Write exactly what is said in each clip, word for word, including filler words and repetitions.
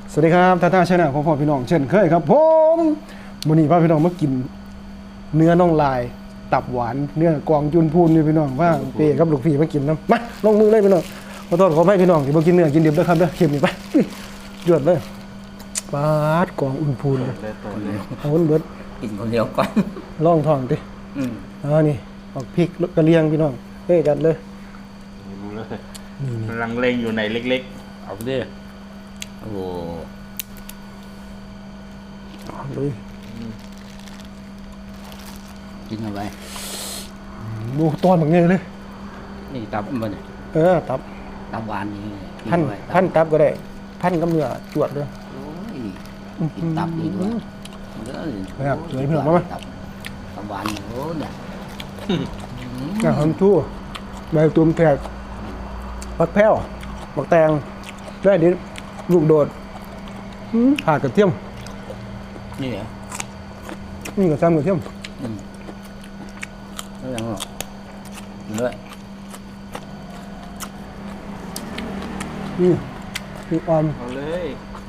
สวัสดีครับท่าท่าชนะพ่อพ่อพี่น้องเช่นเคยครับผมวันนี้พาพี่น้องมากินเนื้อน่องลายตับหวานเนื้อกวางจุนพูนนี่พี่น้องว่าเปย์กับลูกพี่มากินน้ำมาลงมือเลยพี่น้องขอโทษขอให้พี่น้องที่มากินเนื้อกินดิบด้วยครับเด้อเข็มนี่ไปหยดเลยปาดกวางอุ่นพูนเลยเอาเบิดกินคนเดียวก่อนล่องทองดิอ๋อนี่ออกพริกกระเลียงพี่น้องเฮ้ยจัดเลยรู้เลยลังเลงอยู่ในเล็กๆเอาไปดิโอ้โหเลยกินอะไรดูตอนแบบนี้เลยนี่ตับมันเออตับตับหวานนี่พันพันตับก็ได้พันกับเนื้อจวดด้วยกินตับดีด้วยครับสวยพี่น้องมั้ยตับหวานโอ้เนี่ยงาหอมทั่วใบตูมแขกผักแพ้วผักแตงได้ดิลูกโดดผ่ากระเทียมนี่เหรอนี่กระซ้ำกระเทียมอืมไม่ยังหรอกเลยนี่นี่ออมเอาเลย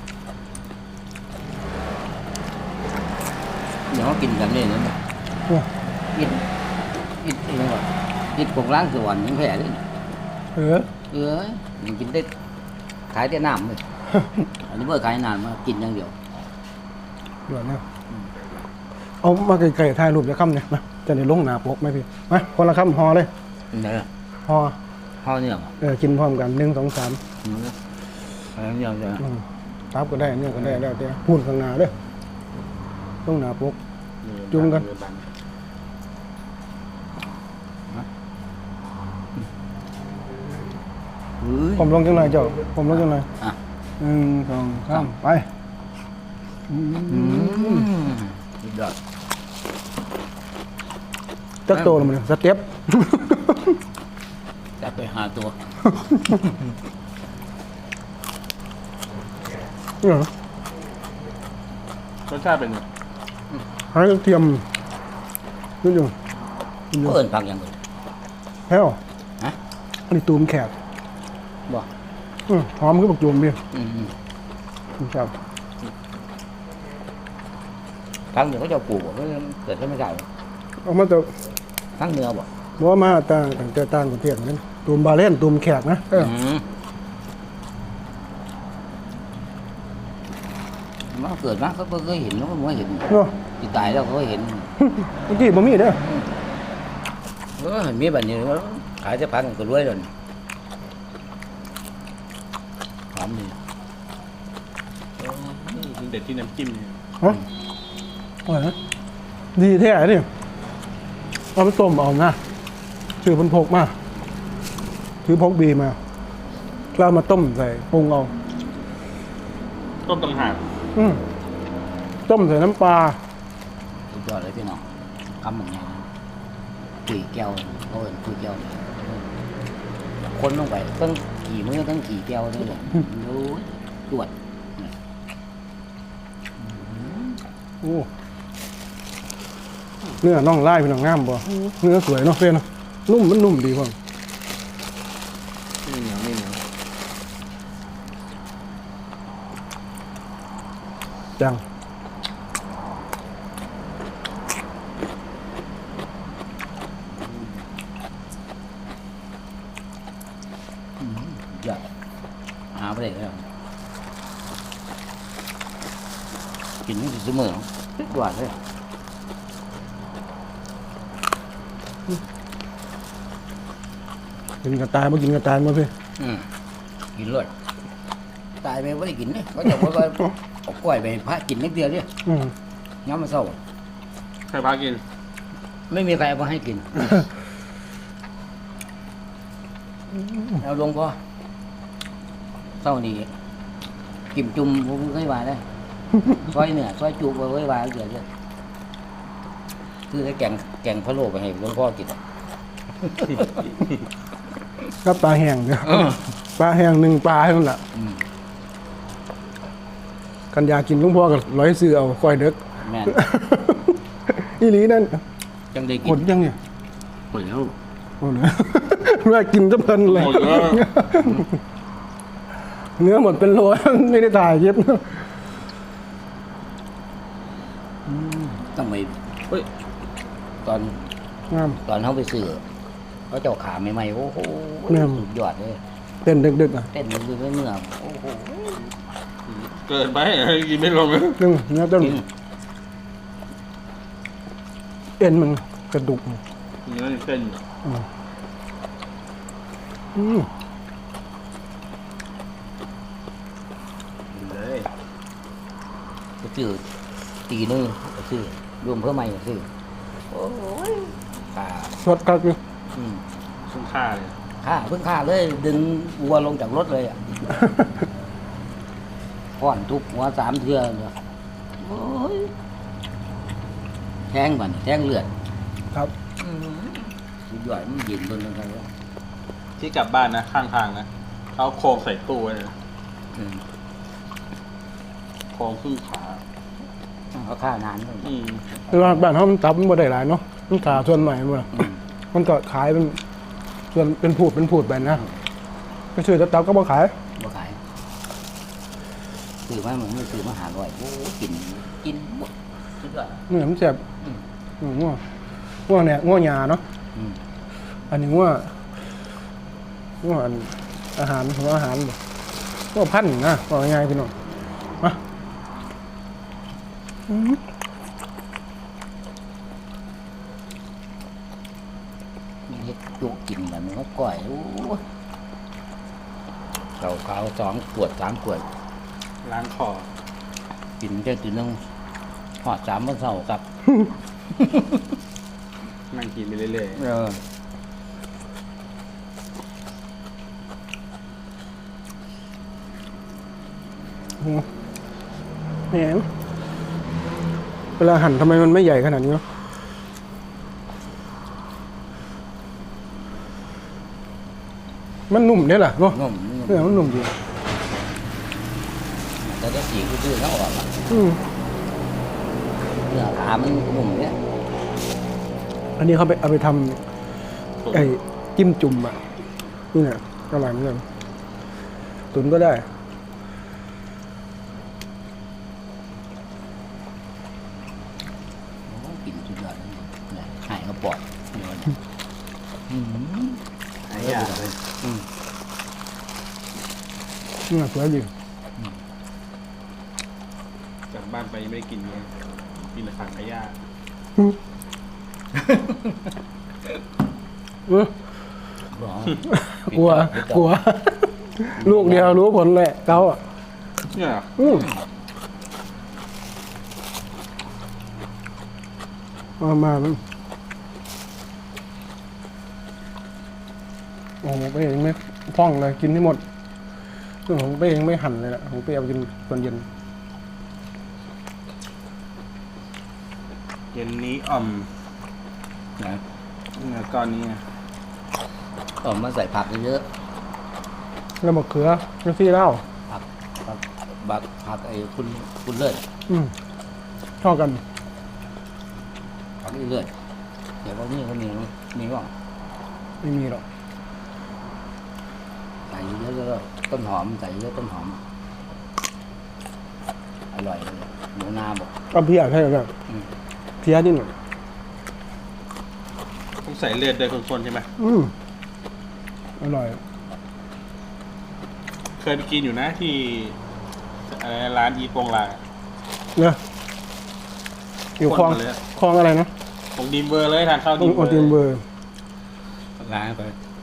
เดี๋ยวกินกันนี่นะกินกินเองว่ะกินของร้านสวรรค์ยังแผ่เลยเออเออยังกินได้ขายแต่น้ำเลยอันนี้เมื่อขายนานมากินอย่างเดียวเดี๋ยวนะเอามาไก่ๆถ่ายรูปจะค่ำเนี่ยมาจะได้ลงหนาปกไหมพี่มาคนละค่ำห่อเลยเนี่ยห่อห่อเนี่ยเออกินพร้อมกันหนึ่งสองสามอะไรเนี่ยจะตับก็ได้เนี่ยก็ได้แล้วแต่พูนข้างหน้าเด้อลงหนาปกจุ่มกันผมลงจังไรเจ้าผมลงจังไรหนึ่งสองสามไปยอดจักโตแล้วมันสเต็ปจับไปหาตัวนี่เหรอรสชาติเป็นไงหายกระเทียมนี่อยู่เอิญผักอย่างอื่นแพ้วฮะอันนี้ตูมแขกบ่หอมคือบักจูมพี่อืมครับทั้งเนื้อเขาจะปลูกบ่เกิดขึ้นไม่ได้เอามาจากทั้งเนื้อบ่บ่มาต่างแต่ต่างประเทศนั่นตูมบาเล่นตูมแขกนะมันเกิดมาเขาเคยเห็นแล้วมันไม่เห็นที่ตายแล้วเขาเห็นเมื่อกี้บ่มีเด้อเออเห็นมีแบบนี้ขายจะพันก็รวยเลยหอมดีเด็ดที่น้ำจิ้มเนี่ยฮะอะไรดีแท้ดิเอาไปต้มเอานะถือพันพกมาถือพกบีมาแล้วมาต้มใส่ปรุงเอาต้มต่างหากอืมต้มใส่น้ำปลาสุดยอดเลยพี่น้องคำเหมือนไงคุยแก้วเขาเป็นคุยแก้วคนลงไปตั้งกี่มื้อตั้งกี่แก้วด้วยเลยรู้ตรวจโอ้เนื้อน่องไล่เป็นหนังงามบ่เนื้อสวยเนาะเฟ้นนุ่มมันนุ่มดีพ่อไม่เหนียวไม่เหนียวจังเยอะหาไปเลยแล้วกินนี่เสมอทุกวันเลยกินกระต่ายมากินกระต่ายมาพี่กินเลยตายไปไม่ได้กินเลยเขาจะบอกว่าเอากล้วยไปพระกินนิดเดียวเนี่ยย้อมมาเศร้าใครพากินไม่มีใครเอามาให้กินเอาลงก็เศร้าดีกิมจุ่มผมเคยวายได้ซอยเนี่ยซอยจุ่มไว้วายเดี๋ยวเนี่ยคือแกงแกงพะโล้ไปให้หลวงพ่อกินก็ปลาแห้งเนี่ยปลาแห้งหนึ่งปลาเท่านั้นแหละกันยากินหลวงพ่อกับร้อยซื้อเอาคอยเด็กแม่นอีหลีนั่นจังได้กินหมดยังเนี่ยหมดแล้วหมดแล้วเมื่อกินจะเพลินเลยเนื้อหมดเป็นโล ไม่ได้ถ่ายคลิปต้องไปเฮ้ยตอนงามตอนเขาไปซื้อเขาเจ้าขาใหม่ๆโอ้โหแม่นสุดยอดเลยเต้นดึกๆอ่ะเต้นมือเนื้อโอ้โหเกินไปกินไม่ลงเลยซึ่งเนื้อต้นจริงเอ็นมันกระดูกเนื้อเส้นอืมกินเลยก็ซื้อตีนึงก็ซื้อรวมเพิ่มใหม่ก็ซื้อโอ้ยขาสดกักอยู่อืมคุ้มค่าเลยค่าเพิ่งค่าเลยดึงวัวลงจากรถเลยอ่ะก้อนทุบหัวสามเทือเนี่ยโอ้ยแทงก่อนแทงเลือดครับสุดยอดมันเย็นตัวนึงครับที่กลับบ้านนะข้างทางนะเขาโครงใส่ตู้ไว้เลยอืมโครงครึ่งขาเขาฆ่านานเลยอืมคือว่าบ้านเขามันตับมันบ่ได้หลายเนาะมันขาส่วนใหม่หมดอะอืมมันก็ขายเป็นส่วนเป็นผูดเป็นผูดไปนะก็ชื่อตับก็บ่ขายบ่ขายซื้อมาเหมือนไม่ซื้อมาหาร้อยโอ้กินกินหมดสุดยอดเนี่ยมันแซ่บอืมอืมง่วงง่วงเนี่ยง่วงยาเนาะอืมอันนี้ง่วงง่วงอันอาหารของอาหารบ่ง่วงพันธุ์นะบอกง่ายๆพี่น้องมาอืมมีเฮ็ดจุกินแบบนี้ก็ก่อยโอ้เก่าขาวสองขวดสามขวดล้างคอกินแค่ตัวนึงหอดสามวันเสาร์ครับนั่งกินไปเรื่อยเอออืมแหมเวลาหั่นทำไมมันไม่ใหญ่ขนาดนี้เนาะมันนุ่มเนี่ยแหละเนาะนุ่มเนื้อมันนุ่มดีแต่ถ้าสีคือๆแล้วออกอะอืมเนื้อขามันนุ่มเนี่ยอันนี้เขาไปเอาไปทๆตุ๋นำไอ้จิ้มจุ่มอ่ะนี่เนี่ยอร่อยเหมือนกันตุ๋นก็ได้โอ้กินสุดยอดเลยเนี่ยหายกระปอดเนี่ยเนี่ยอืมหายากเลยอืมนี่สวยดีกลับบ้านไปยังไม่ได้กินเลยกินแต่ผักขยะเออบอกกลัวกลัว ลูกเดียวรู้ผลแหละเกาอ่ะเนี่ยเหรออืมมามามันโอ้โหไปเองไม่พร่องเลยกินที่หมดเรื่องของไปเองไม่หั่นเลยแหละของไปเอากินตอนเย็นเย็นนี้อ่อมนะเนื้อก้อนนี้ไงเอามาใส่ผักเยอะแล้วมะเขือแล้วซี่เหล้าๆผักผักบักผักไอ้คุณคุณเลิศอืมชอบกันผักเลิศเดี๋ยวว่านี่เขามีมีว่าไม่มีหรอกใส่เยอะๆแล้วต้นหอมใส่เยอะต้นหอมอร่อยเลยหมูนาบอกก็เพี้ยใช่ไหมอืมเพี้ยนิดหน่อยต้องใส่เลือดด้วยคนๆใช่ไหมอืมอร่อยเคยไปกินอยู่นะที่อะไรนะร้านอีโปงลางเนอะอยู่คลองคนมาเลยอะคลองอะไรนะของดีมเบอร์เลยทางเข้าตรดีงมโอเบอร์ติมเบอร์ร้านไป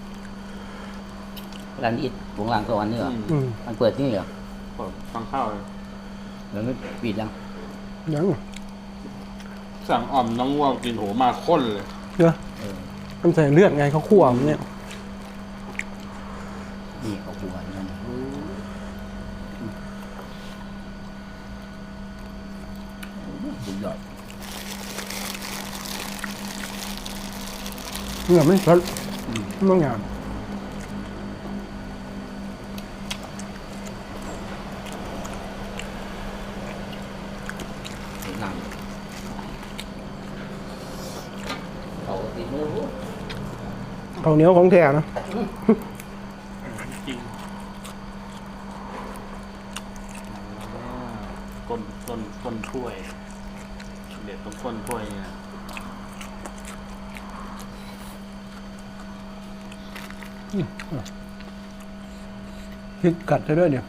ร้านอิดวงหลังสวรรค์นี่เหรออืมอืมมันเปิดที่นี่เหรอผมฟังเข้าเลยแล้วไม่ปิดยังยังสั่งอ่อมน้องวัวกินโหมาข้นเลยเนอะเออมันใส่เลือดไงเขาคั่วมันเนี่ยนี่เขาหัวนั่นน่ะสุดยอดเนื้อมันสดมันต้องอย่างสวยงามเขาติดมือรู้ข้าวเหนียวของแท้นะจริงก้นก้นก้นถ้วย เด็ดตรงก้นถ้วยเนี่ยพริกกัดได้ด้วยเนี่ย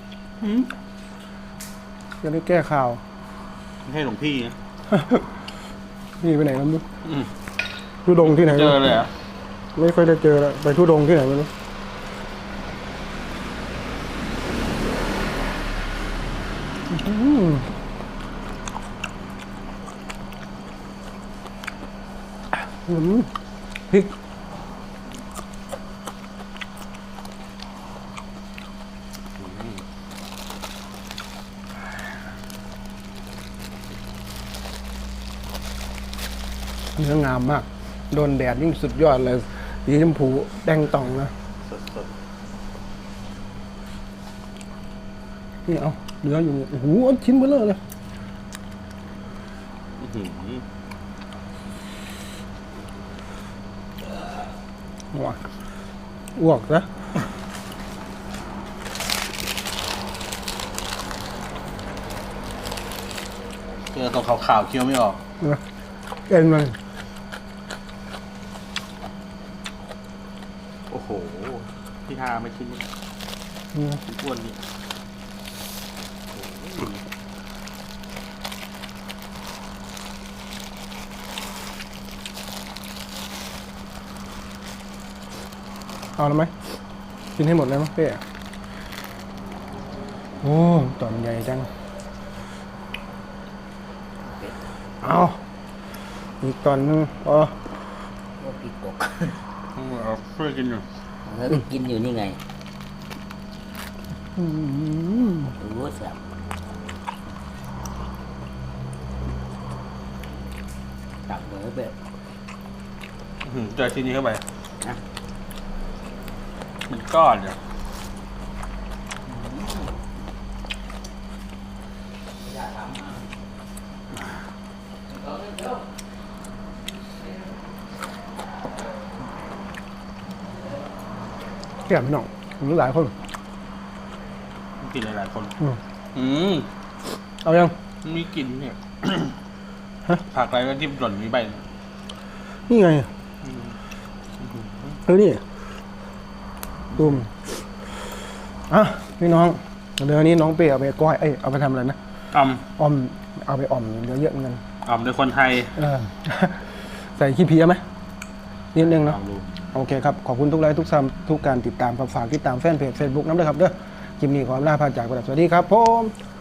จะได้แก้ข่าวไม่ให้หลวงพี่นะนี่ไปไหนแล้วมั้งอืมทุดงที่ไหนเจอเลยเหรอ่ะไม่ค่อยได้เจอแล้วไปทุดงที่ไหนไม่รู้อืมอืมพริกเนื้องามมาก โดนแดดยิ่งสุดยอดเลยสีชมพูแดงต่องนะสดสดนี่เอาเนื้ออยู่นี่โอ้โหเอาชิ้นเบลอเลยอื้อหือว้าอ้วกนะเจอตรงขาวๆเคี้ยวไม่ออกนะเอ็นมันโอ้โห พี่ฮาไม่ชิ้นนี้อืมชิ้นอ้วนนี่เอาแล้วไหมกินให้หมดเลยมั้งเป้โอ้ตอนใหญ่จังเอาอีกตอนนึงอ๋อโอ้ปีกกเอาช่วยกินอยู่แล้วก็กินอยู่นี่ไงอืมโอ้แซ่บตักเลยเบ็ดอื้อหือเจอชิ้นนี้เข้าไปนะมันก้อนเนี่ยแก่พี่น้องมีหลายคนกินหลายๆคนอืมอืมเอายังมีกลิ่นเนี่ยฮะผักอะไรก็ที่หล่นมีใบนี่ไงเออนี่ตุ้มอ่ะพี่น้องเดี๋ยวนี้น้องเป้เอาไปก้อยเอ้ยเอาไปทำอะไรนะอ่ออมเอาไปอ่อมเดี๋ยวเยอะเหมือนกันำอ่ำในคนไทยเออ ใส่ขี้เพี้ยไหมนิดนึงลเนาะองดูโอเคครับ ขอบคุณทุกไลค์ทุกซัมทุกการติดตามฝากติดตามแฟนเพจ Facebook น้ำด้วยครับเด้อคลิปนี้ขอลาพาจากไปแล้วสวัสดีครับผม